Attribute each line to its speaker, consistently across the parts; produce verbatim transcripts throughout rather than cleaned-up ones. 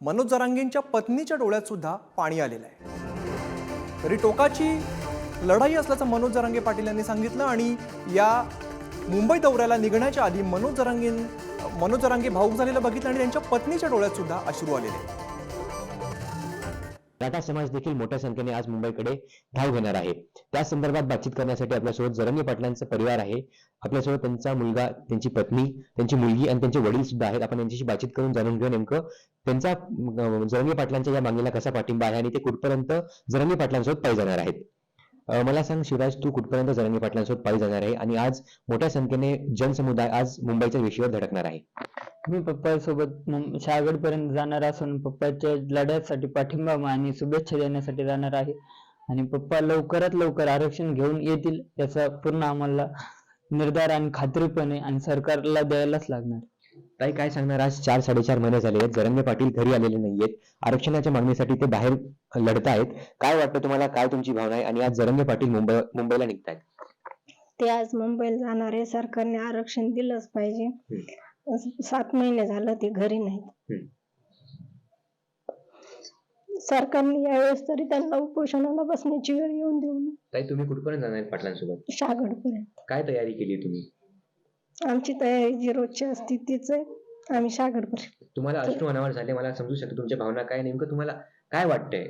Speaker 1: मनोज जरांगेंच्या पत्नीच्या डोळ्यात सुद्धा पाणी आलेलं आहे। तरी टोकाची लढाई असल्याचं मनोज जरांगे पाटील यांनी सांगितलं आणि या मुंबई दौऱ्याला निघण्याच्या आधी मनोज जरांगे मनोज जरांगे भाऊक झालेलं बघितलं आणि त्यांच्या पत्नीच्या डोळ्यात सुद्धा अश्रू आलेले।
Speaker 2: मराठा समाज देखील मोठ्या संख्येने आज मुंबईकडे धाव घेणार आहे। त्या संदर्भात बातचीत करण्यासाठी आपल्यासोबत जरांगे पाटलांचा परिवार आहे, आपल्यासोबत त्यांचा मुलगा, त्यांची पत्नी, त्यांची मुलगी आणि त्यांचे वडील सुद्धा आहेत। आपण यांच्याशी बातचीत करून जाणून घेऊ नेमकं त्यांचा जरांगे पाटलांच्या या मागणीला कसा पाठिंबा आहे आणि ते कुठपर्यंत जरांगे पाटलांसोबत पायी जाणार आहेत। मला सांग शिवराज, तू कुठपर्यंत जरांगे पाटलांसोबत पायी जाणार आहे आणि आज मोठ्या संख्येने जनसमुदाय आज मुंबईच्या वेशीवर धडकणार आहे।
Speaker 3: मी पप्पासोबत शहागड पर्यंत जाणार असून पप्पाच्या लढ्यासाठी पाठिंबा आणि शुभेच्छा देण्यासाठी जाणार आहे आणि पप्पा लवकरात लवकर आरक्षण घेऊन येतील याचा पूर्ण आम्हाला निर्धार आणि खात्रीपणे आणि सरकारला द्यायलाच लागणार।
Speaker 2: ताई, काय सांगणार, आज चार साडेचार महिने झाले आहेत, जरांगे पाटील घरी आलेले नाहीयेत, आरक्षणाच्या मागणीसाठी ते बाहेर लढतायत। काय वाटतं तुम्हाला, काय तुमची भावना आहे आणि आज जरांगे पाटील मुंबई मुंबईला निघतायत?
Speaker 4: ते आज मुंबईला जाणार आहे, सरकारने आरक्षण दिलंच पाहिजे। सात महिने झालं ते घरी नाहीत। सरकारने यावेळेस तरी त्यांना उपोषणाला बसण्याची वेळ येऊन देऊ नये।
Speaker 2: ताई, तुम्ही कुठपर्यंत जाणार पाटलांसोबत?
Speaker 4: शहागड पर्यंत।
Speaker 2: काय तयारी केली तुम्ही?
Speaker 4: आमची तयारी जी रोजची असते तीच आहे, आम्ही शहागड पर्यंत।
Speaker 2: तुम्हाला अश्रू अनावर झाले, मला समजू शकतो तुमच्या भावना काय, नेमकं तुम्हाला काय वाटतंय?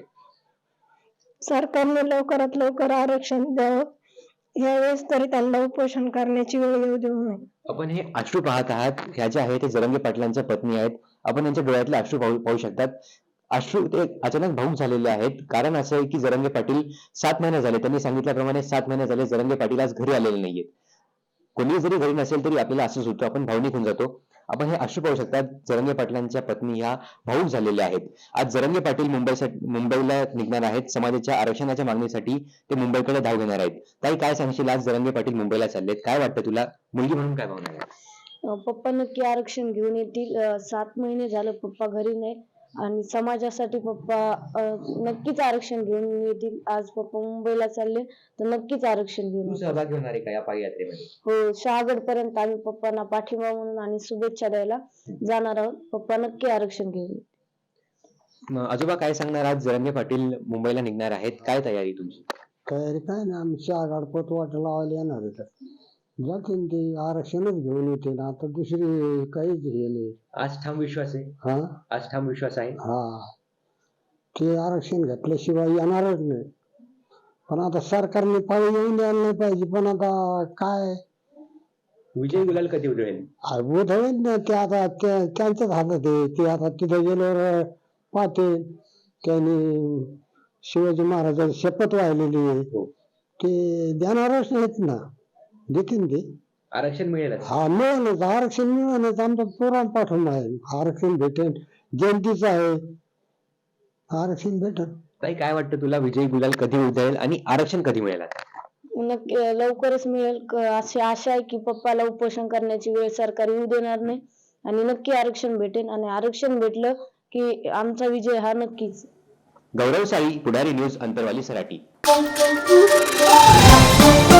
Speaker 4: सरकारने लवकरात लवकर आरक्षण द्यावं, यावेळेस तरी त्यांना उपोषण करण्याची वेळ येऊ देऊ नये।
Speaker 2: आपण हे अश्रू पाहत आहात, ह्या ज्या आहेत ते जरांगे पाटलांच्या पत्नी आहेत, आपण यांच्या डोळ्यातले अश्रू पाहू पाहू शकतात। अश्रू ते अचानक भावूक झालेले आहेत। कारण असं आहे की जरांगे पाटील सात महिने झाले, त्यांनी सांगितल्याप्रमाणे सात महिने झाले जरांगे पाटील आज घरी आलेले नाहीयेत। कोणी जरी घरी नसेल तरी आपल्याला असंच होतं, आपण भावनिक होऊन जातो। आपण हे अश्रू पाहू शकतात, जरांगे पाटलांच्या पत्नी ह्या भावूक झालेल्या आहेत। आज जरांगे पाटील मुंबईसाठी मुंबईला निघणार आहेत, समाजाच्या आरक्षणाच्या मागणीसाठी ते मुंबईकडे धाव घेणार आहेत। ताई, काय सांगशील, आज जरांगे पाटील मुंबईला चाललेत, काय वाटतं तुला, मुलगी म्हणून काय भावना आहे?
Speaker 5: पप्पा नक्की आरक्षण घेऊन येतील। सात महिने झालं पप्पा घरी नाही आणि समाजासाठी पप्पा नक्कीच आरक्षण घेऊन येतील। आज पप्पा मुंबईला चालले तर नक्कीच आरक्षण घेऊन
Speaker 2: सहभागी होणार आहे का या पायी यात्रेमध्ये?
Speaker 5: हो, शहागड पर्यंत आम्ही पप्पांना पाठिंबा म्हणून आणि शुभेच्छा द्यायला जाणार आहोत। पप्पा नक्की आरक्षण घेऊन।
Speaker 2: आजोबा, काय सांगणार, आज जरांगे पाटील मुंबईला निघणार आहेत, काय तयारी तुमची?
Speaker 6: तयारी काय ना, आम्ही शहागड पत वाट लावायला येणार आहे, जातील ते आरक्षणच घेऊन येतील। आता दुसरी काहीच हे नाही।
Speaker 2: आज ठाम विश्वास आहे?
Speaker 6: हा,
Speaker 2: आज ठाम विश्वास आहे।
Speaker 6: हा, ते आरक्षण घेतल्याशिवाय येणारच नाही। पण आता सरकारने पाळी येऊन द्यायला नाही पाहिजे, पण आता काय
Speaker 2: विजय गुलाल कधी उधळेल?
Speaker 6: उधळेल ना, ते आता त्यांच्याच हातात आहे। ते आता तिथे गेल्यावर पाहते, त्यांनी शिवाजी महाराजांची शपथ वाहिलेली आहे, ते देणारच नाहीत ना, देतील ते
Speaker 2: आरक्षण मिळेल?
Speaker 6: हा, मिळेलच, आरक्षण मिळेलच, आमचा पुराण पाठवून आहे, आरक्षण भेटेल, जयंतीचं आहे, आरक्षण भेटेल।
Speaker 2: ताई, काय वाटतं तुला, विजय गुलाल कधी उधळेल आणि आरक्षण कधी मिळेल?
Speaker 5: नक्की लवकरच मिळेल अशी आशा आहे की पप्पाला उपोषण करण्याची वेळ सरकार येऊ देणार नाही आणि नक्की आरक्षण भेटेल आणि आरक्षण भेटलं की आमचा विजय हा नक्कीच।
Speaker 2: गौरव साळी, पुढारी न्यूज, अंतरवाली, सराटी।